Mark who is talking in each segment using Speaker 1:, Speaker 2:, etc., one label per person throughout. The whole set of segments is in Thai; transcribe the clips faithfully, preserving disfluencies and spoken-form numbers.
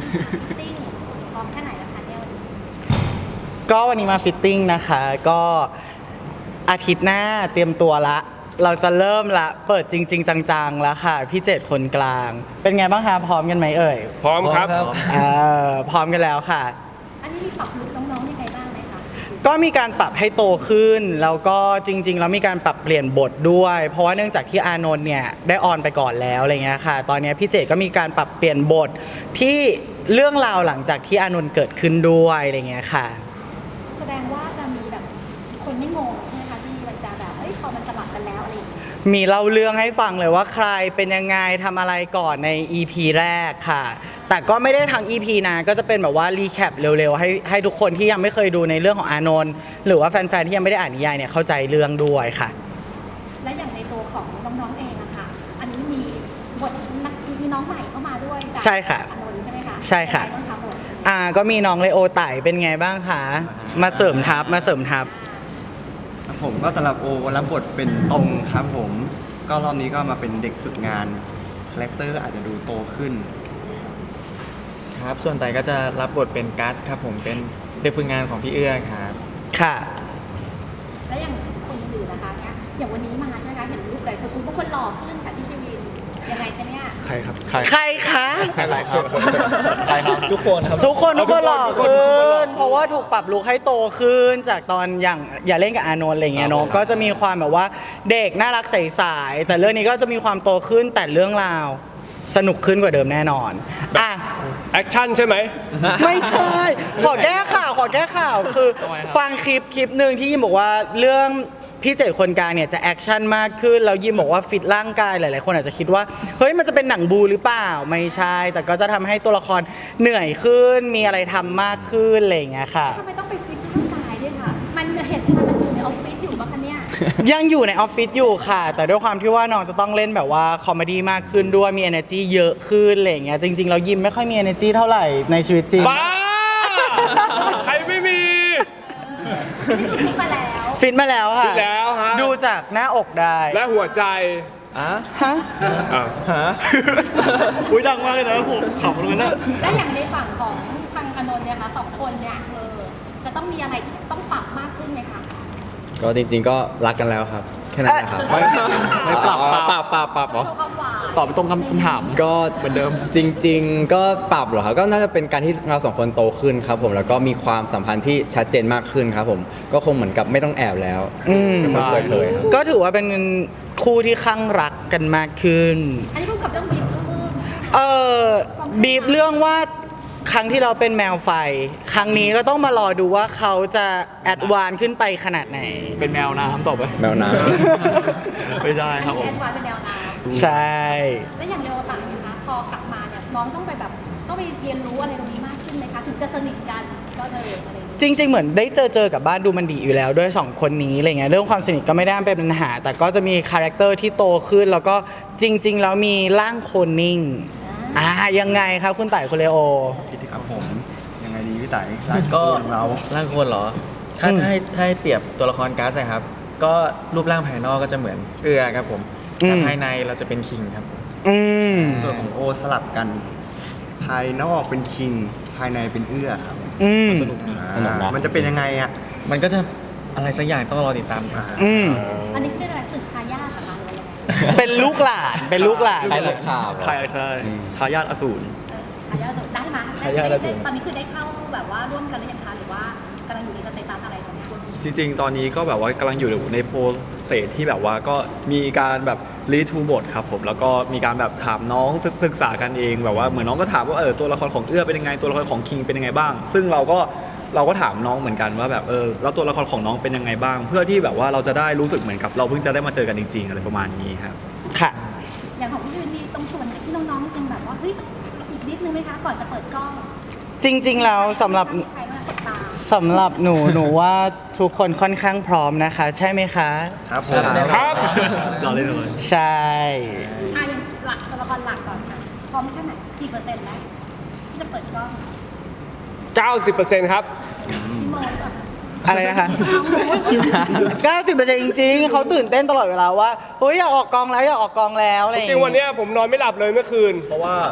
Speaker 1: ติ้งพร้อมแค่ไหนแล้วคะเนี่ยวันนี้
Speaker 2: ก็วันนี้มาฟิตติ้งนะคะก็อาทิตย์หน้าเตรียมตัวละ เราจะเริ่มละเปิดจริง ๆ จังๆแล้วค่ะพี่เจ็ดคนกลาง เป็นไงบ้างคะพร้อมกันไหมเอ่ย
Speaker 3: พร้อมครับ
Speaker 2: เออพร้อมกันแล้วค่ะ
Speaker 1: อันนี้มีปรับลุคน้องๆยังไงบ้างไหมคะ
Speaker 2: ก็มีการปรับให้โตขึ้น แล้วก็จริงๆแล้วมีการปรับเปลี่ยนบทด้วย เพราะว่าเนื่องจากที่อานนท์เนี่ยได้ออนไปก่อนแล้วอะไรเงี้ยค่ะ ตอนนี้พี่เจก็มีการปรับเปลี่ยนบทที่เรื่องราวหลังจากที่อานนท์เกิดขึ้นด้วยอะไรเงี้ยค่ะ
Speaker 1: แสดงว่าจะมีแบบคนไม่งงใช่ไหมคะที่มันจะแบบเอ้ยพอมันสลับกันแล้วอะไรอย่างเงี้ย
Speaker 2: มีเล่าเรื่องให้ฟังเลยว่าใครเป็นยังไงทำอะไรก่อนใน อี พี แรกค่ะ แต่ก็ไม่ได้ทั้ง อี พี นะก็จะเป็นแบบว่ารีแคปเร็วๆให้ให้ทุกคนที่ยังไม่เคยดูในเรื่องของอานนท์หรือว่าแฟนๆที่ยังไม่ได้อ่านนิยายเนี่ยเข้าใจเรื่องด้วยค่ะ
Speaker 1: และอย่างในตัวของน้องๆเองอะค่ะ อันนี้มีบทนักมีน้องใหม่เข้ามาด้วยจาก
Speaker 2: ใช่ค่ะ
Speaker 1: อานนท์ใช่ไหมคะ
Speaker 2: ใช่ค่ะ
Speaker 1: ยังไงบ้างคะบท
Speaker 2: อ่าก็มีน้องเลโอไต่เป็นไงบ้างคะมาเสริมทัพมาเสริมทัพ
Speaker 4: ครับผมก็สำหรับโอรับบทเป็นตรงครับผมก็รอบนี้ก็มาเป็นเด็กฝึกงานคาแรคเตอร์อาจจะดูโตขึ้น
Speaker 5: ครับ ส่วนไต่ก็จะรับบทเป็นกัสครับผมเป็นเด็กฝึกงานของพี่เอื้อครับ
Speaker 2: ค่ะ
Speaker 1: และอย่างคนอื่นนะคะเนี่ยอย่างวันนี้มาใช่ไหมคะเห็นรูปหลายคนคุณบางคนหล่อขึ้นค่ะพี่ชวินยังไงคะเนี่ย
Speaker 3: ใครครับ
Speaker 5: ใคร
Speaker 2: ใครคะ
Speaker 5: ใครครับใครครับ
Speaker 3: ทุกคนครับ
Speaker 2: ทุกคนทุกคนหล่อ
Speaker 3: ทุกคน
Speaker 2: ขึ้
Speaker 3: ทุกคนหล่
Speaker 2: น
Speaker 3: อ
Speaker 2: เพราะว่าถูกปรับลุคให้โตขึ้นจากตอนอย่างอย่าเล่นกับอานนท์อะไรเงี้ยเนาะก็จะมีความแบบว่าเด็กน่ารักใสๆแต่เรื่องนี้ก็จะมีความโตขึ้นแต่เรื่องราวสนุกขึ้นกว่าเดิมแน่นอนอ่ะ
Speaker 3: แอคชั่นใช่ไหม
Speaker 2: ไม่ใช่ ขอแก้ข่าวขอแก้ข่าวคือฟังคลิปคลิปหนึ่งที่ยิมบอกว่าเรื่องพี่เจ็ดคนกลางเนี่ยจะแอคชั่นมากขึ้นแล้วยิมบอกว่าฟิตร่างกายหลายๆคนอาจจะคิดว่าเฮ้ยมันจะเป็นหนังบูหรือเปล่าไม่ใช่ แต่ก็จะทำให้ตัวละครเหนื่อยขึ้นมีอะไรทำมากขึ้นอะไรอย่างเงี้ยค่ะ
Speaker 1: ทำไมต้องไปฟิตร่างกายด้วยคะมันเห็นมันอยู่ในออฟฟิศอยู่บ้างคะเนี่ย
Speaker 2: ยังอยู่ในออฟฟิศอยู่ค่ะ แต่ด้วยความที่ว่าน้องจะต้องเล่นแบบว่าคอมเมดี้มากขึ้นด้วยมี energy เยอะขึ้นอะไรอย่างเงี้ยจริงๆเรายิมไม่ค่อยมี energy เท่าไหร่ในชีวิตจริง
Speaker 3: บ้า ใครไม่มี
Speaker 1: นี่คือฟิตมาแล้ว
Speaker 2: ฟิตมาแล้วค่ะ
Speaker 3: ฟิตแล้วฮะ
Speaker 2: ดูจากหน้าอกได้
Speaker 3: และหัวใจ
Speaker 5: อ่ะ
Speaker 2: ฮะ
Speaker 3: อ่ะ
Speaker 5: ฮะ
Speaker 3: อุ้ยดังมากเลยนะผมขำเลยนะ
Speaker 1: และอย่างในฝั่งของทางอานนท์เนี่ยค่ะสองคนเนี่ยเออจะต้องมีอะไรที่ต้องปรับมากขึ้นไหมคะ
Speaker 6: ก็จริงๆก็รักกันแล้วครับ แค่นั้นนะครับ
Speaker 5: ไม่ไม่ปรับปรับปรับปรับปรับเหรอ
Speaker 1: โชว์ความหวาน
Speaker 5: ตอบตรงคำถาม
Speaker 6: ก็เหมือนเดิมจริง ๆ ก็ปรับเหรอครับก็น่าจะเป็นการที่เราสองคนโตขึ้นครับผมแล้วก็มีความสัมพันธ์ที่ชัดเจนมากขึ้นครับผมก็คงเหมือนกับไม่ต้องแอบแล้ว
Speaker 2: อืม
Speaker 6: เป็นคนเปิดเผยครับ
Speaker 2: ก็ถือว่าเป็นคู่ที่ข้างรักกันมากขึ้น
Speaker 1: อันนี้พูดกับเรื่องบีบเพิ่ม
Speaker 2: เออบีบเรื่องว่าครั้งที่เราเป็นแมวไฟ ครั้งนี้ก็ต้องมารอดูว่าเขาจะแอดวานซ์ขึ้นไปขนาดไหน
Speaker 5: เป็นแมวน้ำต่อไป
Speaker 6: แมวน้
Speaker 5: ไม่ได้
Speaker 1: อัน
Speaker 5: ครับผ
Speaker 1: นี้
Speaker 5: ม
Speaker 1: แอดวานซ์เป็นแนวน้
Speaker 2: ใช่
Speaker 1: ำและอย่างเรโอตังนะคะพอกลับมาเนี่ยน้องต้องไปแบบต้องไปเรียนรู้อะไรตรงนี้มากขึ้นไหมคะถึงจะสนิทกันก็เธออะไรอย่างเงี้ย
Speaker 2: จริง ๆ เหมือนได้เจอเจอกับบ้านดูมันดีอยู่แล้วด้วยสองคนนี้อะไรเงี้ยเรื่องความสนิทก็ไม่ได้เป็นปัญหา แต่ก็จะมีคาแรคเตอร์ที่โตขึ้น แล้วก็จริง ๆ แล้วมีร่างโคนนิ่งอ่ายังไงครับคุณต่ายคุณเลโอ
Speaker 4: ครับผมยังไงดีพี่ไต่ร้าน
Speaker 5: ก็
Speaker 4: ของเรา
Speaker 5: ร่างคนเหรอ ถ้า
Speaker 2: อืม
Speaker 5: ถ้าให้ถ้าให้เปรียบตัวละครกัสอะครับ ก็รูปร่างภายนอกก็จะเหมือนเอื้อครับผม แต่ภายในเราจะเป็นคิงครับ
Speaker 2: อืม
Speaker 4: ส่วนของโอสลับกัน ภายนอกเป็นคิง ภายในเป็นเอื้อครับ
Speaker 2: อืม
Speaker 4: อ่ามันจะเป็นยังไงอ่ะ
Speaker 5: มันก็จะอะไรสักอย่างต้องรอติดตามครับ
Speaker 2: อืม
Speaker 1: อันนี้คืออะไรสึกทายาทเหรอคะหรืออะไรยังไง
Speaker 2: เป็นลูกหลานเป็นลูกหลาน
Speaker 6: ำใครลงข่าว
Speaker 7: ใช่ใช่ทายาทอสูร
Speaker 1: ทายาทสุดได้ไหมได้
Speaker 5: ทายาท
Speaker 1: ได้
Speaker 5: สุด
Speaker 1: ตอนนี้คือได้เข้าแบบว่าร่วมกันหรือยังคะหรือว่ากำลังอยู่ในสเตตัสอะไรตรงเนี้ย
Speaker 7: จริง ๆ ตอนนี้ก็แบบว่ากำลังอยู่ในโปรเซสที่แบบว่าก็มีการแบบรีทูบทครับผมแล้วก็มีการแบบถามน้องศึกศึกษากันเองแบบว่าเหมือนน้องก็ถามว่าเออตัวละครของเอื้อเป็นยังไงตัวละครของคิงเป็นยังไงบ้าง ซึ่งเราก็เราก็ถามน้องเหมือนกันว่าแบบเออแล้วตัวละครของน้องเป็นยังไงบ้าง เพื่อที่แบบว่าเราจะได้รู้สึกเหมือนกับเราเพิ่งจะได้มาเจอกันจริงๆอะไรประมาณนี้ครับ
Speaker 2: ค่ะ
Speaker 1: อย่างของพี่ยืนมีตรงส่วนไหนที่น้องๆยังแบบว่าเฮ้ยอีกนิดนึงไหมคะก่อนจะเปิดกล้อง
Speaker 2: จริง ๆ แล้วสำหรับ
Speaker 1: ใช้มาสบตา
Speaker 2: สำหรับหนูหนูว่าทุกคนค่อนข้างพร้อมนะคะ ใช่ไหมคะ
Speaker 4: ครับผม
Speaker 3: ครับ
Speaker 7: เราเล่นเลย
Speaker 2: ใช่
Speaker 1: อ่ะอย่างหลักตัวละครหลักก่อนค่ะพร้อมแค่ไหนกี่เปอร์เซ็นต์แล้วที่จะเปิดกล้อง
Speaker 3: เก้าสิบเปอร์เซ็นต์ ครับ
Speaker 1: ชิโมนก่อน
Speaker 2: อะไรนะคะ เก้าสิบเปอร์เซ็นต์จริงๆ เขาตื่นเต้นตลอดเวลาว่าเฮ้ยอยากออกกองแล้วอยากออกกองแล้วอะไรอ
Speaker 3: จ
Speaker 2: ย่าง
Speaker 3: ริงๆวันเนี้ยผมนอนไม่หลับเลยเมื่อคืน
Speaker 7: เพราะว่า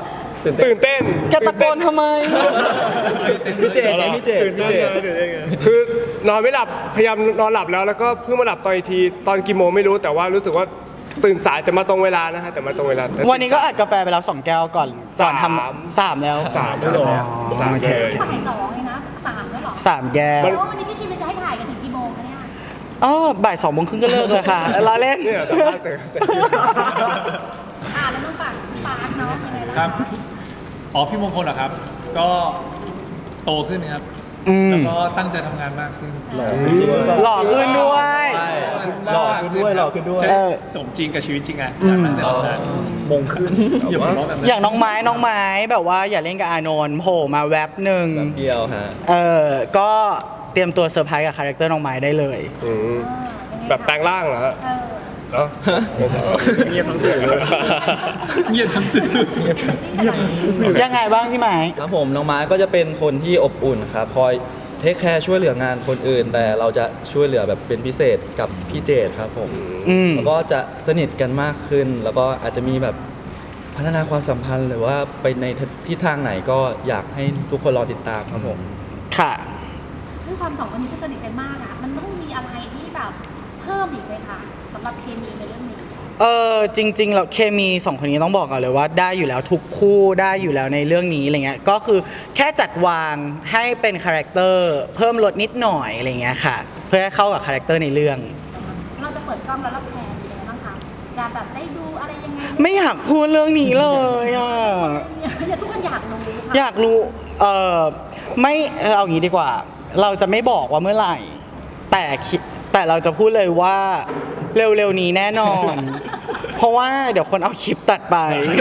Speaker 3: ตื่นเต้น
Speaker 2: แกตะโกนทำไม
Speaker 5: พี่เจดเนี่ยพี่เจดพี่เจด
Speaker 3: คือนอนไม่หลับพยายามนอนหลับแล้วแล้วก็เพิ่งมาหลับตอนอีกทีตอนกี่โมงไม่รู้แต่ว่ารู้สึกว่าตื่นสายแต่มาตรงเวลานะฮะแต่มาตรงเวลา
Speaker 2: วันนี้ก็อัดกาแฟไปแล้วสองแก้วก่อนก่อนทำสามแล้ว
Speaker 3: สามด้วยเหรอสามเลย
Speaker 1: บ่ายสองเองนะสามแล้วเหรอ
Speaker 2: สามแก้ว
Speaker 1: เพราะว่าวันนี้พี่ชิมจะให้ถ่ายกันถึงกี่โมงคะเนี่ย
Speaker 2: อ๋อบ่ายสองโมงครึ่งก็เลิกเลยค่ะล้อเล่น
Speaker 3: เนี่ยสัมภาษณ์เสร็จเสร็จ
Speaker 1: อ่าแล้วต้องฝากฝากเนาะยังไงล่ะ
Speaker 8: ครับ อ๋อ พี่มงคลเหรอครับ ก็โตขึ้นนะครับ
Speaker 2: อืม
Speaker 8: แล้วก็ตั้งใจทำงานมากขึ้น
Speaker 2: หล่อขึ้นด้วย
Speaker 8: หล่อขึ้นด้วยหล่อขึ้นด้วย
Speaker 2: เออ
Speaker 8: สมจริงกับชีวิตจริงอ่ะจากตั้งใจทำงานมงขึ้นอย่ามาล้อแบบนั้น
Speaker 2: อย่างน้องไม้น้องไม้แบบว่าอย่าเล่นกับอานนท์โผล่มาแวบหนึ่ง
Speaker 5: เดียวฮะ
Speaker 2: เออก็เตรียมตัวเซอร์ไพรส์กับคาแรคเตอร์น้องไม้ได้เลย
Speaker 3: อืม
Speaker 1: ยังไง
Speaker 3: แบบแปลงร่างเหรอฮะ
Speaker 1: เออ
Speaker 3: เอ้า
Speaker 7: เงียบทั้งเสียงเลย
Speaker 8: เงียบทั้งสื่อ
Speaker 2: ยังไงบ้างพี่ไม้
Speaker 9: ครับผมน้องไม้ก็จะเป็นคนที่อบอุ่นครับคอยเทคแคร์ช่วยเหลืองานคนอื่น แต่เราจะช่วยเหลือแบบเป็นพิเศษกับพี่เจดครับผม
Speaker 2: อืม
Speaker 9: แล้วก็จะสนิทกันมากขึ้น แล้วก็อาจจะมีแบบพัฒนาความสัมพันธ์หรือว่าไปในทิศทางไหนก็อยากให้ทุกคนรอติดตามครับผม
Speaker 2: ค่ะ
Speaker 1: ด้วยความสองคนนี้ก็สนิทกันมากอ่ะมันต้องมีอะไรที่แบบเพิ่มอีกไหมคะสำหรับเคมีในเรื่องนี้
Speaker 2: เออจริงๆแล้วเคมีสองคนนี้ต้องบอกก่อนเลยว่าได้อยู่แล้วทุกคู่ได้อยู่แล้วในเรื่องนี้อะไรเงี้ยก็คือแค่จัดวางให้เป็นคาแรคเตอร์เพิ่มลดนิดหน่อยอะไรเงี้ยค่ะ เพื่อให้เข้ากับคาแรคเตอร์ในเรื่อง
Speaker 1: เราจะเปิดกล้องแล้วเราแพลนยังไงบ้างคะจะแบบได้ดูอะไรยังไง
Speaker 2: ไม่อยากพูดเรื่องนี้เลยอ่ะ
Speaker 1: อย่าทุกคนอยากรู้ค่ะ
Speaker 2: อยากรู้เออไม่เออเอางี้ดีกว่า เราจะไม่บอกว่าเมื่อไหร่ แต่คิดแต่เราจะพูดเลยว่าเร็วๆนี้แน่นอน เพราะว่าเดี๋ยวคนเอาคลิปตัดไป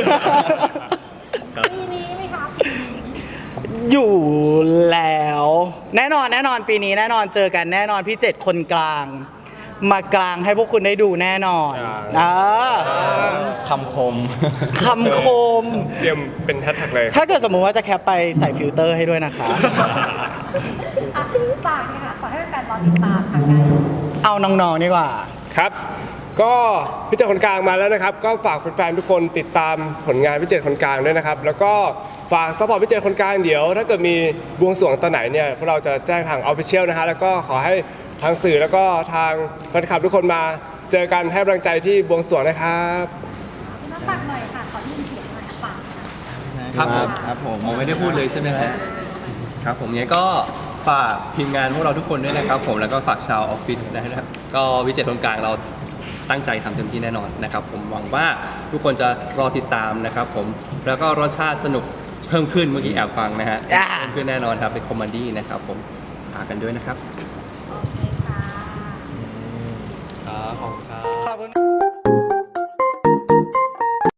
Speaker 1: ปีนี้ไหมคะ
Speaker 2: อยู่แล้ว แน่นอนแน่นอนปีนี้แน่นอนเจอกันแน่นอนพี่เจ็ดคนกลาง มากลางให้พวกคุณได้ดูแน่นอนอ่า
Speaker 5: คำคม
Speaker 2: คำคม
Speaker 3: เตรียมเป็นแฮชแท็กเลย
Speaker 2: ถ้าเกิดสมมุติว่าจะแคปไปใส่ฟิลเตอร์ให้ด้วยนะคะ
Speaker 1: อ่ะฝากเลยค่ะขอให้แฟนๆรอติดตามทางการ
Speaker 2: เอาน้องๆดีกว่า
Speaker 3: ครับ ก็พี่เจตคนกลางมาแล้วนะครับ ก็ฝากแฟนๆทุกคนติดตามผลงานพี่เจตคนกลางด้วยนะครับ แล้วก็ฝากซัพพอร์ตพี่เจตคนกลางเดี๋ยว ถ้าเกิดมีบวงสรวงตอนไหนเนี่ยพวกเราจะแจ้งทางออฟฟิเชียลนะฮะแล้วก็ขอให้ทางสื่อแล้วก็ทางแฟนคลับทุกคนมาเจอกันให้กำลังใจที่บวงสรวงนะครับ
Speaker 1: พี่น้องฝากหน่อยค่ะขอได้ยินเสียงหน่อยฝากค่ะ
Speaker 5: ครับผม
Speaker 4: ครับผม
Speaker 5: ผมไม่ได้พูดเลยใช่ไหมครับครับผมเนี่ยก็ฝากทีมงานพวกเราทุกคนด้วยนะครับผมแล้วก็ฝากชาวออฟฟิศนะครับก็วิจัยตรงกลางเราตั้งใจทำเต็มที่แน่นอนนะครับผมหวังว่าทุกคนจะรอติดตามนะครับผมแล้วก็รสชาติสนุกเพิ่มขึ้นเมื่อกี้แอบฟังนะฮะ
Speaker 2: จ้า
Speaker 5: เพิ่มขึ้นแน่นอนครับเป็นคอมเมดี้นะครับผมฝากกันด้วยนะครับ
Speaker 1: โอเค